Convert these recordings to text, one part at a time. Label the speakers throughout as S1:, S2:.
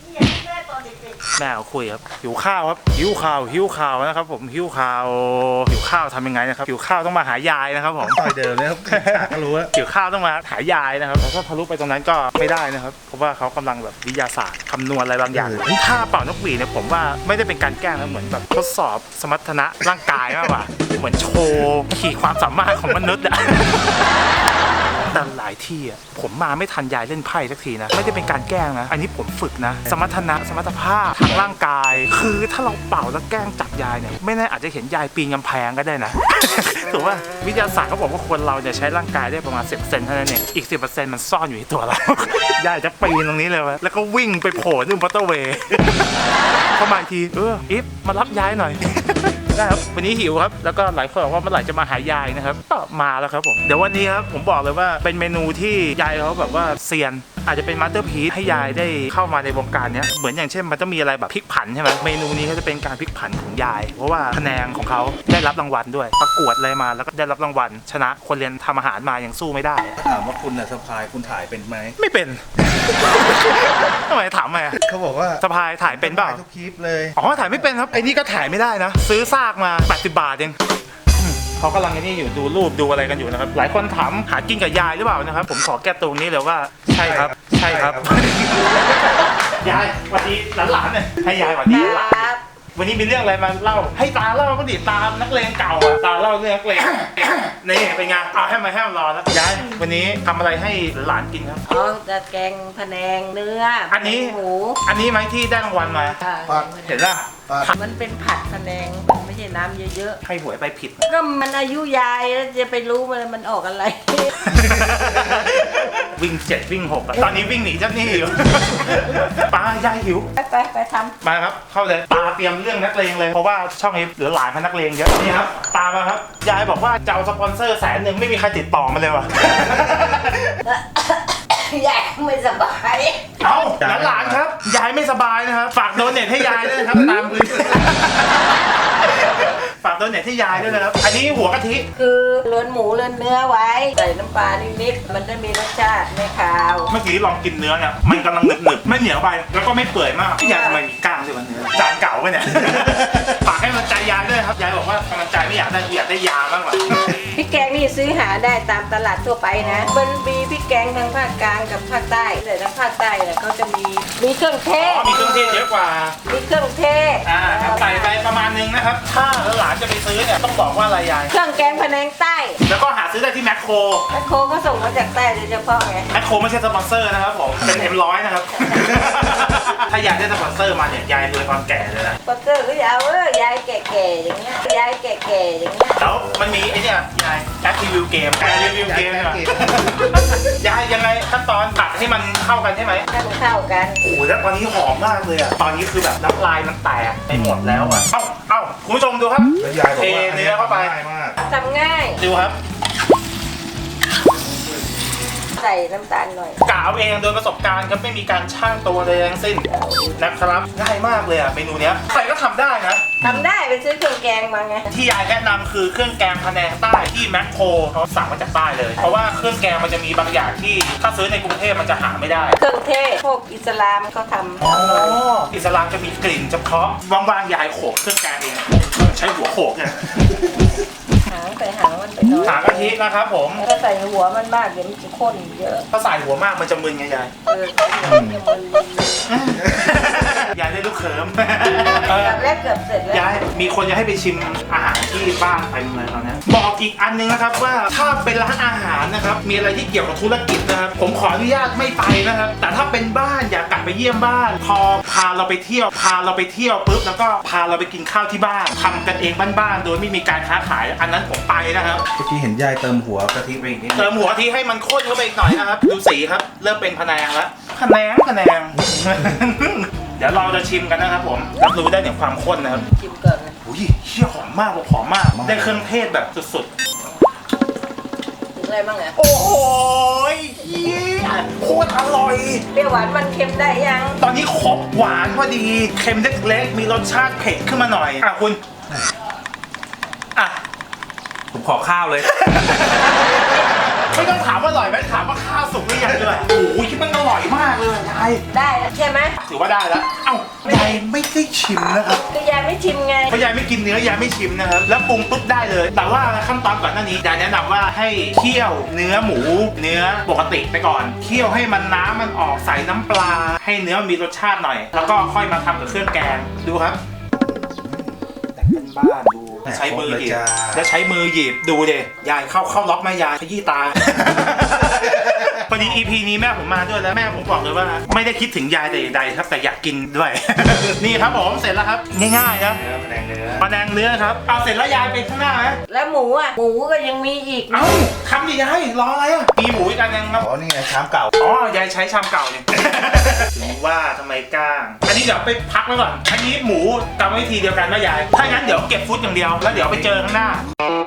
S1: แม่เขาคุยครับหิวข้าวครับหิวข่าวนะครับผมหิวข้าวทำยังไงนะครับหิวข้าวต้องมาหายายนะครับผม
S2: ต่อยเดิมเลยครับก็รู้ว่า
S1: หิวข้าวต้องมาหายายนะครับแล้วก็ทะลุไปตรงนั้นก็ไม่ได้นะครับเพราะว่าเขากำลังแบบวิทยาศาสตร์คำนวณอะไรบางอย่างถ้าเป่านกหวีดเนี่ยผมว่าไม่ได้เป็นการแกล้งนะเหมือนแบบทดสอบสมรรถนะร่างกายมากกว่าเหมือนโชว์ขีดความสามารถของมนุษย์อะแต่หลายที่อ่ะผมมาไม่ทันยายเล่นไพ่สักทีนะไม่ได้เป็นการแกล้งนะอันนี้ผมฝึกนะสมรรถภาพทางร่างกายคือถ้าเราเป่าแล้วแกล้งจับยายเนี่ยไม่แน่อาจจะเห็นยายปีนกำแพงก็ได้นะ ถูกว่าวิทยาศาสตร์เขาบอกว่าคนเราเนี่ยใช้ร่างกายได้ประมาณ 10% เท่านั้นเองอีก 10% มันซ่อนอยู่ในตัวเรา ยายจะปีนตรงนี้เลยวะแล้วก็วิ่งไปโผล่ที่มอเตอร์เวย์ เข้ามาอีกทีอิฟมารับยายหน่อย ได้ครับวันนี้หิวครับแล้วก็หลายคนบอกว่าเมื่อไหร่จะมาหายายนะครับก็มาแล้วครับผมเดี๋ยววันนี้ครับผมบอกเลยว่าเป็นเมนูที่ยายเขาแบบว่าเซียนอาจจะเป็นมาสเตอร์พีซให้ยายได้เข้ามาในวงการนี้เหมือนอย่างเช่นมันต้องมีอะไรแบบพลิกผันใช่ไหมเมนูนี้ก็จะเป็นการพลิกผันของยายเพราะว่าคะแนนของเขาได้รับรางวัลด้วยประกวดอะไรมาแล้วก็ได้รับรางวัลชนะคนเรียนทำอาหารมายังสู้ไม่ได้
S2: ถามว่าคุณน่ะสะพายคุณถ่ายเป็นไหม
S1: ไม่เป็น ทำไมถามมา
S2: เขาบอกว่า
S1: สะพายถ่ายเป็นเปล่า
S2: ทุกคลิปเลย
S1: อ๋อถ่ายไม่เป็นครับไอ้นี่ก็ถ่ายไม่ได้นะซื้อซากมา80 บาทเองเขากำลังนี่อยู่ดูรูปดูอะไรกันอยู่นะครับหลายคนถามหากินกับยายหรือเปล่านะครับผมขอแก้ตรงนี้เลยว่าใช่ครับยายสวัสดีหลานๆเนี่ยให้ยายสวัสดีหลานวันนี้มีเรื่องอะไรมาเล่าให้ตาเล่าก็ดิตามนักเลงเก่าตาเล่าเรื่องนักเลงนี่เป็นไงเอาให้มารอแล้วยายวันนี้ทำอะไรให้หลานกินครับ
S3: อ๋อจะแกงพะแนงเนื้อ
S1: อันนี้
S3: หมู
S1: อันนี้ไหมที่ได้รางวัลมาเห็นป่ะ
S3: มันเป็นผัดพะแนงมันไม่ใช่น้ำเยอะ
S1: ๆให้หวยไปผิด
S3: ก็มันอายุยายแล้วจะไปรู้มันออกอะไร
S1: วิ่ง7วิ่ง6ตอนนี้วิ่งหนีเจ้าหนี้อยู่ ปลายายหิว
S3: ไปทำ
S1: มาครับเข้าเลยตาเตรียมเรื่องนักเลงเลยเพราะว่าช่องนี้เหลือหลายพันนักเลงเยอะนี่ครับตามาครับยายบอกว่าจะเอาสปอนเซอร์100,000ไม่มีใครติดต่อมาเลยว่ะ
S3: ยายไม่สบาย
S1: เอาหลานครับยายไม่สบายนะครับฝากโดเนทให้ยายด้วยนะครับตามพื้นฝากโดเนทให้ยายด้วยนะครับอันนี้หัวกะทิ
S3: คือเลือนหมูเลือนเนื้อไว้ใส่น้ำปลานิดๆมันจะมีรสชาติไม่คาว
S1: เมื่อกี้ลองกินเนื้อเนี่ยมันกำลังหนึบๆไม่เหนียวไปแล้วก็ไม่เปื่อยมากยายทำไมมีกล้างด้วยวะเนื้อจานเก่าไปเนี่ยฝากให้กำลังใจยายด้วยครับยายบอกว่ากำลังใจไม่อยากได้ยาบ้างหรอ
S3: พริกแกงนี่ซื้อหาได้ตามตลาดทั่วไปนะมันมีพริกแกงทางภาคกลางกับภาคใต้แต่ทางภาคใต้เนี่ยเขาจะมีเครื่องเทศ
S1: มีเครื่องเทศเยอะกว่า
S3: มีเครื่องเทศ
S1: ใส่ไปประมาณนึงนะครับถ้าหลานจะไปซื้อเนี่ยต้องบอกว่าอะไรยาย
S3: เครื่องแกงพะแนงใต้
S1: แล้วก็หาซื้อได้ที่แมคโคร
S3: ก็ส่งมาจากใต้โดยเฉพาะไง
S1: แมคโครไม่ใช่สปอนเซอร์นะครับผมเป็นM100นะครับถ้ายายได้สปอนเซอร์มาเนี่ยยายรวยความแก่เลยนะ
S3: สปอนเซอร์ก็ยาวยายแก่ๆอย่างเงี้ยยายแก่ๆอย่างเงี้ย
S1: แล้วมันมีไอ้เนี่ยยายแอปรีวิวเกมใช่ไหมยายยังไงขั้นตอนตัดให้มันเข้ากันใช่ไหม
S3: ให้มันเข้ากัน
S1: โอ้โหแล้วตอนนี้หอมมากเลยอ่ะตอนนี้คือแบบน้ำลายมันแตกไปหมดแล้วอ่ะเอ้าคุณผู้ชมดูครับเทเนื้อเข้าไป
S3: ทำง่าย
S1: ดูครับ
S3: ใส่น้ำตาลหน่อย
S1: กะเอาเองโดยประสบการณ์ครับไม่มีการช่างตัวเลยทั้งสิ้นนะครับง่ายมากเลยอ่ะเมนูเนี้ยใครก็ทำได้นะ
S3: ทำได้ไปซื้อเครื่องแกงมาไง
S1: ที่ยายแนะนำคือเครื่องแกงพะแนงใต้ที่แมคโครเขาสั่งมาจากใต้เลยเพราะว่าเครื่องแกงมันจะมีบางอย่างที่ถ้าซื้อในกรุงเทพมันจะหาไม่ได้
S3: เครื่องเทศพวกอิสลามเขาทำ
S1: อิสลามจะมีกลิ่นเฉพาะว่างๆยายโขกเครื่องแกงเองใช้หัวโขกเนี่ย
S3: ใส่หางมันไปหน่อย
S1: หางกะทินะครับผม
S3: ถ้าใส่หัวมันมากเดี๋ยวมันจะข้นเยอะ
S1: ถ้าใส่หัวมากมันจะมึนไงยายยายได้ลูกเขิม
S3: แรกเกือบเสร็จแล้ว
S1: ยายมีคนจะให้ไปชิมอาหารที่บ้านไปเลยตอนนี้บอกอีกอันนึงนะครับว่าถ้าเป็นร้านอาหารนะครับมีอะไรที่เกี่ยวกับธุรกิจนะครับผมขออนุญาตไม่ไปนะครับแต่ถ้าเป็นบ้านอยากกลับไปเยี่ยมบ้านพอพาเราไปเที่ยวปุ๊บแล้วก็พาเราไปกินข้าวที่บ้านทำกันเองบ้านๆโดยไม่มีการค้าขายอันนั้นผมไปนะครับ
S2: เมื่อกี้เห็นยายเติมหัวกะทิไปอีกนิด
S1: เติมหัวกะทิให้มันข้นเข้าไปอีกหน่อยนะครับดูสีครับเริ่มเป็นพะแนงแล้วพะแนงเดี๋ยวเราจะชิมกันนะครับผมรับรู้ได้ถึงความข้นนะครับ
S3: ชิมก่อนนะ
S1: อุ้ยเชี่ยหอมมากหอมมากได้เครื่องเทศแบบสุด
S3: ๆถึงอะไรบ้างเนี่ย
S1: โอ้โหโคตรอร่อย
S3: เปรี้ยวหวานมันเค็มได้ยัง
S1: ตอนนี้ครบหวานพอดีเค็มเล็กๆมีรสชาติเผ็ดขึ้นมาหน่อยคุณผมขอข้าวเลยไม่ต้องถามว่าอร่อยไหมถามว่าข้าวสุกหรือยังด้วยโอ้ยคิดมันอร่อยมากเลยยาย
S3: ได้แล้วใช่ไหม
S1: ถือว่าได้แล้วเอ้ายายไม่ได้ชิมนะครับ
S3: คือยายไม่ชิมไง
S1: เพราะยายไม่กินเนื้อยายไม่ชิมนะครับแล้วปรุงปุ๊บได้เลย แต่ว่าขั้นตอนก่อนหน้านี้ยายแนะนำว่าให้เคี่ยวเนื้อหมูเนื้อปกติไปก่อนเคี่ยวให้มันน้ำมันออกใส่น้ำปลาให้เนื้อมีรสชาติหน่อย แล้วก็ค่อยมาทำกับเครื่องแกงดูครับแต่งเป็นบ้านดูใช้มือหยิบแล้วใช้มือหยิบดูดิยายเข้าล็อกแม่ยายขยี้ตา พอดี EP นี้แม่ผมมาด้วยแล้วแม่ผมบอกเลยว่าไม่ได้คิดถึงยายแต่อย่างใดครับแต่อยากกินด้วย นี่ครับผมเสร็จแล้วครับง่ายๆนะ
S2: แผนงเนื้อ
S1: ปลาแดงเนื้อครับเอาเสร็จแล้วยายไปข้างหน้าไหม
S3: แล้วหมูอ่ะหมูก็ยังมีอีก
S1: เอ้าทำดิยายรออะไรอ่ะมีหมูอีกอันนึงครับ
S2: อ๋อนี่ไงชามเก่า
S1: อ๋อยายใช้ชามเก่าเนี่ย ถึงว่าทำไมกล้างอันนี้เดี๋ยวไปพักไว้ก่อนอันนี้หมูกรรมวิธีเดียวกันนะยายถ้างั้นเดี๋ยวเก็บฟุตอย่างเดียวแล้วเดี๋ยวไปเจอข้างหน้า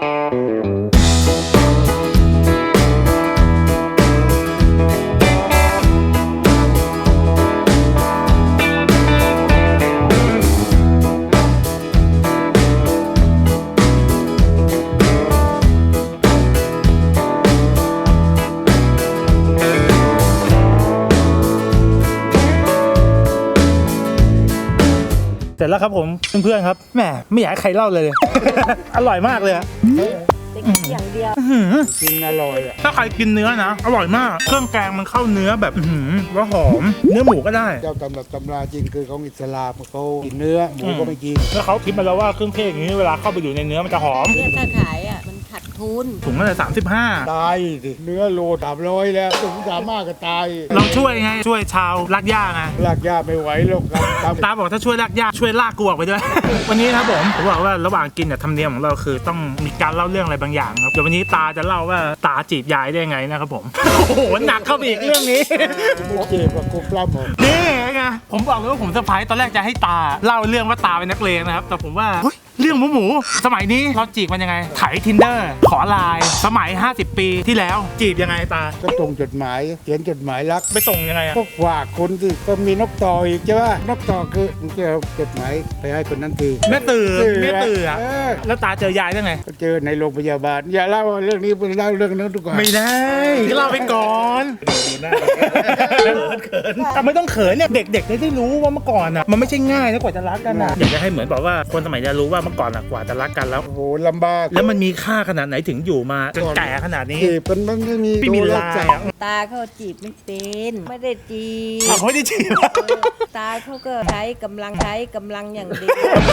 S1: เสร็จแล้วครับผมเพื่อนๆครับแหมไม่อยากให้ใครเล่าเลย อร่อยมากเลยอะ
S3: จะกินอย่างเดียว
S4: กินอร่อยอ่ะ
S1: ถ้าใครกินเนื้อนะอร่อยมากเครื่องแกงมันเข้าเนื้อแบบแล้วหอมเนื้อหมูก็ได้
S4: เจ้าตำรับตำราจริงคือของอิสลามเขากินเนื้อหมูก็ไม่กิน
S1: แล้วเขาคิดมาแล้วว่าเครื่องเทศอย่างนี้เวลาเข้าไปอยู่ในเนื้อมันจะหอม
S3: เนี่ยถ้าขายอ่ะมันขาดทุน
S1: ถุงละ35
S4: ตายสิเนื้อโล300แล้วถึง300ก็ตาย
S1: ลองช่วยไงช่วยชาวลากย่าไง
S4: ลากยาไม่ไหวหรอกครับ
S1: ตาบอกถ้าช่วยลากย่าช่วยลากกูออกไปด้วย วันนี้ครับผมบอกว่าระหว่างกินเนี่ยธรรมเนียมของเราคือต้องมีการเล่าเรื่องอะไรบางอย่างครับเดี๋ยววันนี้ตาจะเล่าว่าตาจีบยายได้ไงนะครับผม โอ้โหหนักเข้าไปอีกเรื่องนี้
S4: ไม่เจ็บกับกูปล้ำหรอก
S1: นี่ไงผมบอกเลยว่าผมเซอร์ไพรส์ตอนแรกจะให้ตาเล่าเรื่องว่าตาเป็นนักเลงนะครับแต่ผมว่าเฮ้ยเรื่องหมูสมัยนี้เราจีบมันยังไงไถ Tinder ขอไลน์สมัย50 ปีที่แล้วจีบยังไงตา
S4: ก็ส่งจดหมายเขียนจดหมายรัก
S1: ไปส่งยังไงอะ
S4: ก็ฝากคนที่ก็มีนกต่ออีกใช่ป่ะนกต่อคือมึงจะเอาจดหมายไปให้คนนั้นที
S1: แม่ตื่นแม่ตื่นอะ
S4: เออ
S1: แล้วตาเจอยายได้ไง
S4: ก็เจอในโรงพยาบาลอย่าเล่าเรื่องนี้ไปเล่าเรื่องนั้นดีกว่า
S1: ไม่ได้เล่าไปก่อน
S2: ดูหน้า
S1: แต่ไม่ต้องเขินเนี่ยเด็กๆได้รู้ว่าเมื่อก่อนอ่ะมันไม่ใช่ง่ายนะกว่าจะรักกันอ่ะอยากจะให้เหมือนบอกว่าคนสมัยนี้รู้ว่าเมื่อก่อนอ่ะกว่าจะรักกันแล้ว
S4: โอ้โหลำบาก
S1: แล้วมันมีค่าขนาดไหนถึงอยู่มาจนแก่ขนาดนี้
S4: จีบมันไม่มี
S1: ไม่มี
S4: โทร
S1: ลาย
S4: ศัพ
S1: อะ
S4: ท์
S3: ตาเขาจีบไม่เป็นไม่ได้จีบ
S1: เขาไม่ได้จีบ
S3: ตาเขาก็ใช้กำลังอย่างเดียว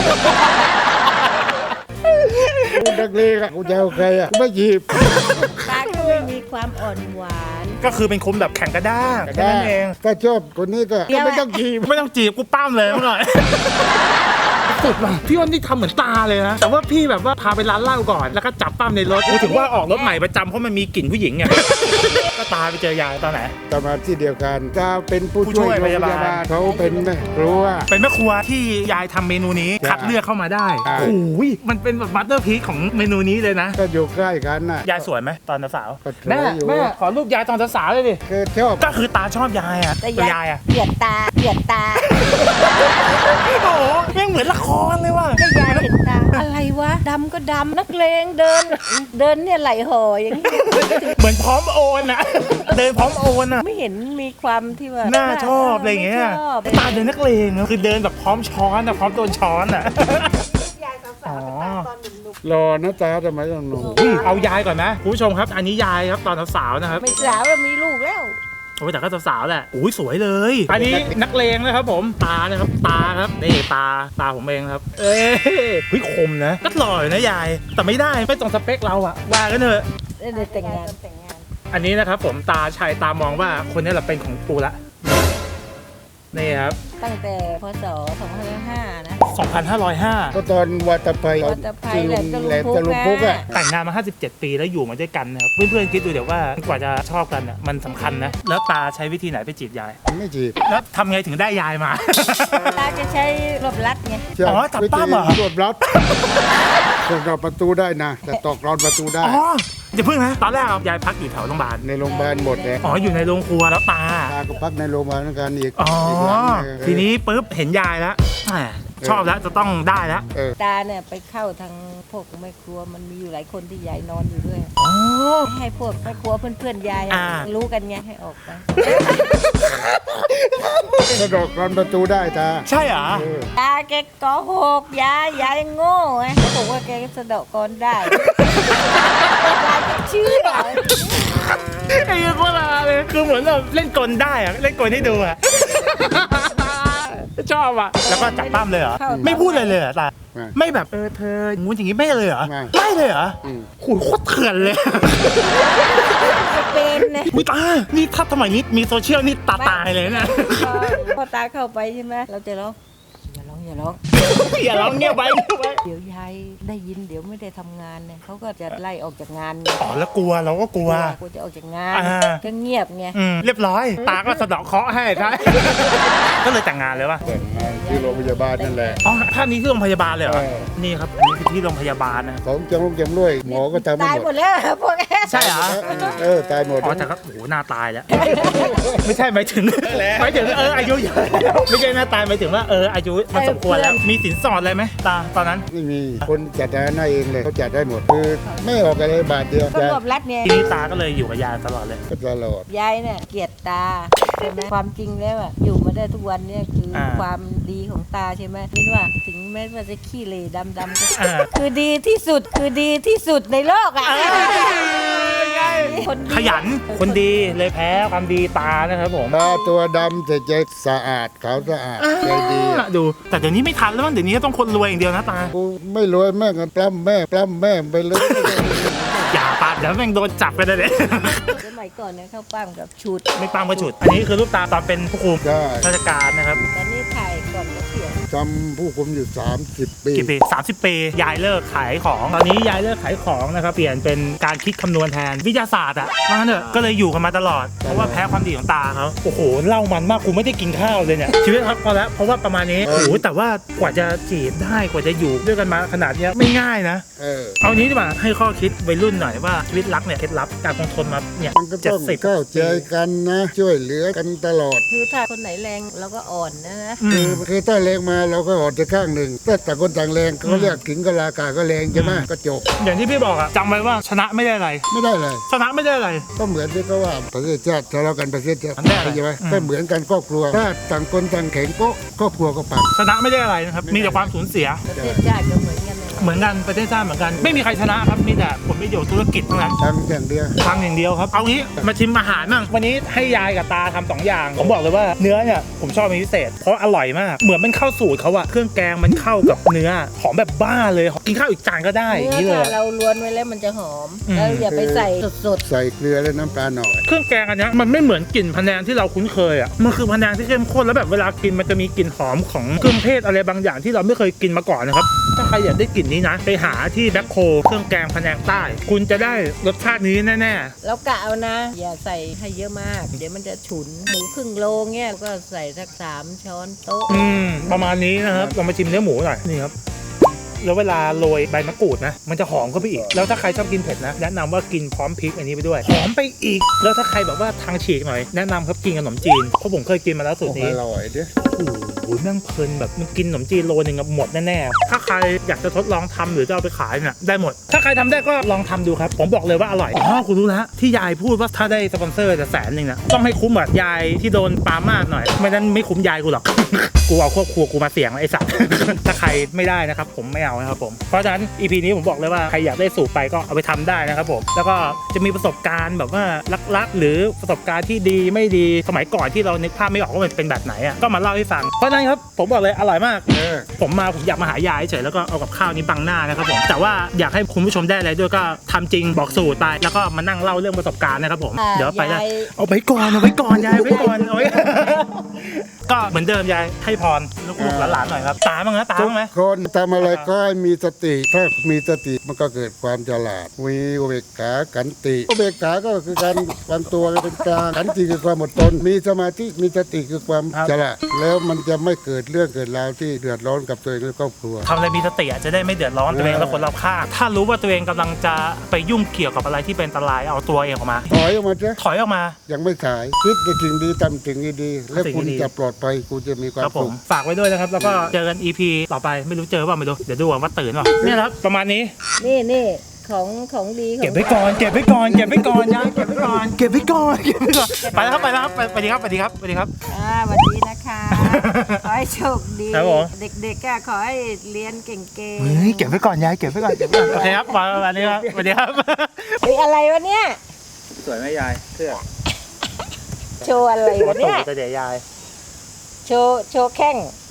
S4: กูนักเลงอะกูจะเอาใครอะกูไม่จีบ
S3: ตาก็ไม่มีความอ่อนหวาน
S1: ก็คือเป็นคนแบบแข่งกระด้างแค่นั้นเอง
S4: ถ้าชอบคนนี้ก็
S3: เดี๋ยว
S4: ไม่ต้องจีบ
S1: ไม่ต้องจีบกูปั้มเลยเมื่อก่อน สุดว่ะพี่อ้นนี่ทำเหมือนตาเลยนะแต่ว่าพี่แบบว่าพาไปร้านเหล้าก่อนแล้วก็จับปั้มในรถถึงว่าออกรถใหม่ประจำเพราะมันมีกลิ่นผู้หญิงไง ก็ตาไปเจอยายตอนไหน
S4: แต่มาที่เดียวกันถ้าเป็นผู้
S1: ผู้ช่
S4: ช่
S1: ว
S4: วย ย
S1: พยาบาล
S4: เขาเป็นแม่ครัว
S1: เป็นแม่ครัวที่ยายทำเมนูนี้
S4: ใช่
S1: คัดเลือกเข้ามาได้
S4: ใช่
S1: โอ้ยมันเป็นแบบมาสเตอร์พีซของเมนูนี้เลยนะ
S4: ก็อยู่ใกล้กันน่ะ
S1: ยายสวยไหมตอนสาว
S4: ก็สวย
S1: แม่
S4: อยู่
S1: แม่ขอรูปยายตอนสาวเลยดิ
S4: คือชอบ
S1: ก็คือตาชอบยายอ่ะ
S3: แต่
S1: ตัวยายอ่ะ
S3: เกลียดตา
S1: โอ้โหแม่งเหมือนละครเลยว่ะ
S3: ก็ยายเห็นตา อะไรวะดำก็ดำนักเลงเดินเนี่ยไหลห่ออย่างนี้
S1: เหมือนพร้อมโอนอ่ะ เดินพร้อมโอนอ่ะ
S3: ไม่เห็นมีความที่ว่า
S1: น่าชอบอะไรอย่างเงี้ย
S3: ชอบ
S1: ตาเดินนักเลงอะคือเดินแบบพร้อมช้อนอ่ะพร้อมโดนช้อนอ่ะ อ๋อ
S4: รอนะตาทำไมต้องหนุ่ม
S1: อุ้ยเอายายก่อนนะคุณผู้ชมครับ อันนี้ยายครับตอนสาวๆนะครับ
S3: ไม่สาวแล้วมีลูกแล้ว
S1: โอ้ยแต่ก็สาวๆแหละอุ้ยสวยเลย อันนี้นักเลงนะครับผมตานะครับตาครับนี่ตาผมเองครับ เอ้ยเฮ้ยคมนะก็หล่ออยู่นะยาย แต่ไม่ได้ไม่ตรงสเปคเราอะว่ากันเถอะ
S3: ได้แต่งงาน
S1: อันนี้นะครับผมตาชัยตามองว่าคนนี้แหละเป็นของกูละนี่ครับ
S3: ตั้งแต่พศ2505นะ
S1: 2505
S4: ก็ตอนวัตภัย
S3: วัตภัย
S4: ที่
S3: แหลม
S4: ตะลุมพุกอะ
S1: แต่งงานมา 57 ปีแล้วอยู่มาด้วยกันนะครับเพื่อนๆคิดดูเดี๋ยวว่ากว่าจะชอบกันอ่ะมันสำคัญนะแล้วตาใช้วิธีไหนไปจีบยาย
S4: ไม่จีบ
S1: แล้วทำไงถึงได้ยายมา
S3: ตาจะใช้รบลัดไง
S1: อ๋อจับปั้มเหรอ
S4: รวบรัดตอกรอนประตูได้นะแต่ตอกรอนประตูได้
S1: อ๋ออย่าเพิ่งนะตอนแรกยายพักอยู่แถวโรงพยาบาล
S4: ในโรงพยาบาลหมดเลย
S1: อ๋ออยู่ในโรงครัวแล้วตา
S4: ตาก็พักในโรงพยาบาลเหมือนกันอีก
S1: อ๋อ
S4: อีกหลังหง
S1: ทีนี้ปุ๊บเห็นยายแล้วแหมชอบแล้วจะต้องได้แล้ว
S3: ตาเนี่ยไปเข้าทางพวกแม่ครัวมันมีอยู่หลายคนที่ยายนอนอยู่ด้วย
S1: อ๋อ
S3: ให้พวกแม่ครัวเพื่อนๆยายอะ
S1: อ่า
S3: รู้กันไงให้ออกไป
S4: กระโดดกรอนประตูได้ตา
S1: ใช่เหรอ
S3: ตาแกโกหกยายโง่ไงเขาบอกว่าแกสะเดาะกรได้ยายก็เชื่อ
S1: ไอ้เหี้ยโคตรฮาเลยคือเหมือนแบบเล่นกลได้อะเล่นกลให้ดูอะชอบอะแล้วก็จับปั้มเลยเหรอไม่พูดเลยเลยเหรอตาไม่แบบเธองูอย่างงี้ไม่เลยเหรอไม่เลยเหรอโหโคตรเถื่อนเลย
S3: เป็นนะ
S1: มีตานี่ถ้าสมัยนี้มีโซเชียลนี่ตายเลยนะ
S3: พอตาเข้าไปใช่ไหมเราจะร้องอย่าร้อง
S1: อย่าร้องเงียบไว้
S3: เดี๋ยวยายได้ยินเดี๋ยวไม่ได้ทำงานเนี่ยเขาก็จะไล่ออกจากงาน
S1: อ๋อแล้วกลัวเราก็กลัว
S3: กูจะออกจากงาน
S1: อ่า
S3: ก็เงียบไง
S1: เรียบร้อย ตาก็สะเดาะเคราะห์ให้ใช่ ก็เลยแต่งงานเลยว่ะ
S4: แต่งงานที่โรงพยาบาลนั่นแหละ
S1: อ๋อท่านนี้ที่โรงพยาบาลเลยเหรอ
S4: เออ
S1: นี่ครับอันนี้คือที่โรงพยาบาลนะ
S4: ของจำรวยหมอก็ทำไม่
S3: ตาย
S4: ห
S3: ห
S4: ม
S3: ม
S4: ด
S3: ดแล้วพวกแก
S1: ใช่เหรอ
S4: ตายหมด
S1: อ๋อแต่ก็โอ้โหหน้าตายแล้ว ไม่ใช่หมายถึงอายุเยอะแล้วไม่ใช่หน้าตายหมายถึงว่าอายุมันสมควรแล้วมีสินสอดอะไรไหมตาตอนนั้น
S4: ไม่มีคนจัดการเองเลยเขาจัดได้หมดคือไม่ออกอะไรบาทเดียว
S3: ก็รวบรัดเนี่ย
S1: ทีนี้ตาก็เลยอยู่กับยายตลอดเลย
S4: ก็ตลอด
S3: ยายเนี่ยเกลียดตาใช่ไหมความจริงแล้วอะอยู่มาได้ทุกวันเนี่ยคืออา ความดีของตาใช่ไหมคิดว่าถึงแม้ว่าจะขี้เหร่ดำๆก็
S1: อ่า
S3: คือดีที่สุดในโลกอ่ะคนดี
S1: ขยันคนดีเลยแพ้ความดีตานะครับผม
S4: ตาตัวดำแต่ใจสะอาดขาวสะอาดใจดี
S1: ดูแต่เดี๋ยวนี้ไม่ทันแล้วมั้งเดี๋ยวนี้ต้องคนรวยอย่างเดียวนะตา
S4: กูไม่รวยแม่งกันปล้ำแม่ไปเลย
S1: อย่าปาดเดี๋ยวแม่งโดนจับกันเลย
S3: สมัยก่อนเนี่ยเข้าปั้มกับชุด
S1: ไม่ปังกระฉุด อันนี้คือรูปตาตอนเป็นผู้คุม
S4: ใช่
S1: ราชการนะครับ
S3: ตอนนี้ถ่ายก่อนเกษียณ
S4: จำผู้คุมอยู่30 ปี
S1: กี่ปี30 ปียายเลิกขายของตอนนี้ยายเลิกขายของนะครับเปลี่ยนเป็นการคิดคำนวณแทนวิทยาศาสตร์อ่ะว่างั้นเถอะก็เลยอยู่กันมาตลอดเพราะว่าแพ้ความดีของตาเขาโอ้โหเล่ามันมากกูไม่ได้กินข้าวเลยเนี่ยชีวิตครับพอแล้วเพราะว่าประมาณนี้โอ้โหแต่ว่ากว่าจะจีบได้กว่าจะอยู่ด้วยกันมาขนาดเนี้ยไม่ง่ายนะ เอานี้ดีกว่าให้ข้อคิดวัยรุ่นหน่อยว่าชีวิตรักเนี่ยเคล็ดลับการคงทนมาเนี่ย
S4: มันก็ต้องเข้าใจกันนะ ช่วยเหลือกันตลอด
S3: คือถ้าคนไหนแรงเราก็อ่อนนะ
S4: คือถ้าแรงมาเราก็อดจะข้างหนึ่งถ้าต่างคนต่างแรงเขาเรียกถึงกะลากาก็แรงใช่ไหมก็จบ
S1: อย่างที่พี่บอกอะจำไว้ว่าชนะไม่ได้อะไร
S4: ไม่ได้เลย
S1: ชนะไม่ได้อะไร
S4: ก็เหมือนที่เขาว่าประเทศชาติทะเลาะกันประเทศชาติ
S1: มันได้อะไร
S4: ใช่ไหมก็เหมือนกันครอบครัว ถ้าต่างคนต่างแข็งก็ครอบครัวก็ปัง
S1: ชนะไม่ได้อะไรนะครับมีแต่ความสูญเสีย
S3: ประเทศชาติก็เหมือนกันเลย
S1: เหมือนกันประเทศชาติเหมือนกันไม่มีใครชนะครับมีแต่ผลประโยชน์ธุรกิจเท่านั้น
S4: ทั้งอย่างเดียว
S1: ทางอย่างเดียวครับเอางี้มาชิมอาหารบ้างวันนี้ให้ยายกับตาทำ2อย่างผมบอกเลยว่าเนื้อเนี่ยผมชอบเป็นพิเศษเพราะอร่อยมากเหมือนมันเข้าสูตรเขาอะเครื่องแกงมันเข้ากับเนื้อหอมแบบบ้าเลยกินข้าวอีกจานก็ได้อย่างนี้
S3: เนื้
S1: เล
S3: อย ถ้าเราล้วนไว้แล้วมันจะหอมแล้วอย่าไปใส่สด
S4: ใส่เกลือและน้ำปลาหน่อย
S1: เครื่องแกงอันเนี้ยมันไม่เหมือนกลิ่นพะแนงที่เราคุ้นเคยอะมันคือพะแนงที่เข้มข้นแล้วแบบเวลากินมันจะมีกลิ่นหอมของเครื่องเทศอะไรบางอย่างที่เราไม่เคยกินมาก่อนนะครับถ้าใครอยากได้กลิ่นนี้นะไปหาที่แบ็คโคเครื่องแกงพะแนงใต้ คุณจะได้รสชาตินี้แน่ๆ
S3: ๆแล้วกะเอานะ อย่าใส่ให้เยอะมาก เดี๋ยวมันจะฉุนหมูครึ่งโลเงี้ยก็ใส่สัก3 ช้อนโต๊ะ
S1: ประมาณนี้นะครับเรามาชิมเนื้อหมูหน่อยนี่ครับแล้วเวลาโรยใบมะกรูดนะมันจะหอมเข้าไปอีกแล้วถ้าใครชอบกินเผ็ดนะแนะนำว่ากินพร้อมพริกอันนี้ไปด้วยหอมไปอีกแล้วถ้าใครแบบว่าทางฉีกหน่อยแนะนำครับกินขนมจีนเพราะผมเคยกินมาแล้วสูตรนี้
S4: อร่อยเด้อ
S1: โอ้โหแม่งเพลินแบบมันกินขนมจีนโลนึงอะหมดแน่ๆถ้าใครอยากจะทดลองทำหรือจะเอาไปขายเนี่ยได้หมด ถ้าใครทำได้ก็ลองทำดูครับผมบอกเลยว่าอร่อยอ๋อคุณรู้แล้วที่ยายพูดว่าถ้าได้สปอนเซอร์จะ100,000นะต้องให้คุ้มกับยายที่โดนปามาดหน่อยไม่นั้นไม่คุ้มยายกูหรอก กูเอาครอบครัวกูมาเสี่ยงไอ้สัตว์ ถ้าใครไม่ได้นะครับผมไม่เอานะครับผมเพราะฉะนั้น EP นี้ผมบอกเลยว่าใครอยากได้สูตรไปก็เอาไปทำได้นะครับผมแล้วก็จะมีประสบการณ์แบบว่าลักๆหรือประสบการณ์ที่ดีไม่ดีสมัยก่อนที่เรานึกภาพไม่ออกว่ามันเป็นแบบไหนอ่ะก็มาเล่าให้ฟังเพราะฉะนั้นครับผมบอกเลยอร่อยมาก ผมอยากมาหายายเฉยแล้วก็เอากับข้าวนี้บังหน้านะครับผมแต่ว่าอยากให้คุณผู้ชมได้อะไรด้วยก็ทำจริงบอกสูตรไปแล้วก็มานั่งเล่าเรื่องประสบการณ์นะครับผมเดี๋ยวไปได้เอาไปก่อนยายเอาไว้ก่อนก็เหมือนเดิมยายให้พรลูกๆหลานๆหน่อยครับตาบ้างนะตา
S4: ทุก
S1: บ้างไหม
S4: คนทำอะไรก็ให้มีสติ ถ้ามีสติมันก็เกิดความฉลาดมีอุเบกขาขันติอุเบกขาก็คือการวางตัวเป็นกลางขันติคือความอดทนมีสมาธิมีสติคือความฉลาดแล้วมันจะไม่เกิดเรื่องเกิดราวที่เดือดร้อนกับตัวเองและครอบครัว
S1: ทำอะไรมีสติจะได้ไม่เดือดร้อนตัวเองและคนรอบข้างถ้ารู้ว่าตัวเองกำลังจะไปยุ่งเกี่ยวกับอะไรที่เป็นอันตรายเอาตัวเองออกมา
S4: ถอยออกมาเถอะ
S1: ถอยออกมา
S4: ยังไม่สายคิดในสิ่งดีทำสิ่งดีๆแล้วคุณ
S1: สิ่งดี
S4: จะปลอดภัยคุณจะมีความ
S1: ครับผม
S4: สุข
S1: ผมฝากไว้ด้วยนะครับแล้วก็เจอกัน EP ต่อไปไม่รู้เจอเปล่าไม่รู้เดี๋ยวดูว่าตื่นเปล่าเนี่ยครับประมาณนี้
S3: นี่ของดีของ
S1: เก็บไว้ก่อนยายเก็บไว้ก่อนเก็บไว้ก่อนไปแล้วครับไปดีครับสวัสดีครับ
S3: สวัสดีนะคะ ขอให้โชคดี
S1: ครับผม
S3: เด็กๆก็ขอให้เรียนเก่ง
S1: เฮ้ยเก็บไว้ก่อนยายเก็บไว้ก่อนโอเคครับประมาณนี้ครับสวัสดีครับ
S3: ๆเฮ้ยอะไรวะเนี่ย
S2: สวยไหมยายเสื้อ
S3: โชว์อะไรวะเนี่ย
S1: เดี๋ยวยาย
S3: โชว์แข้ง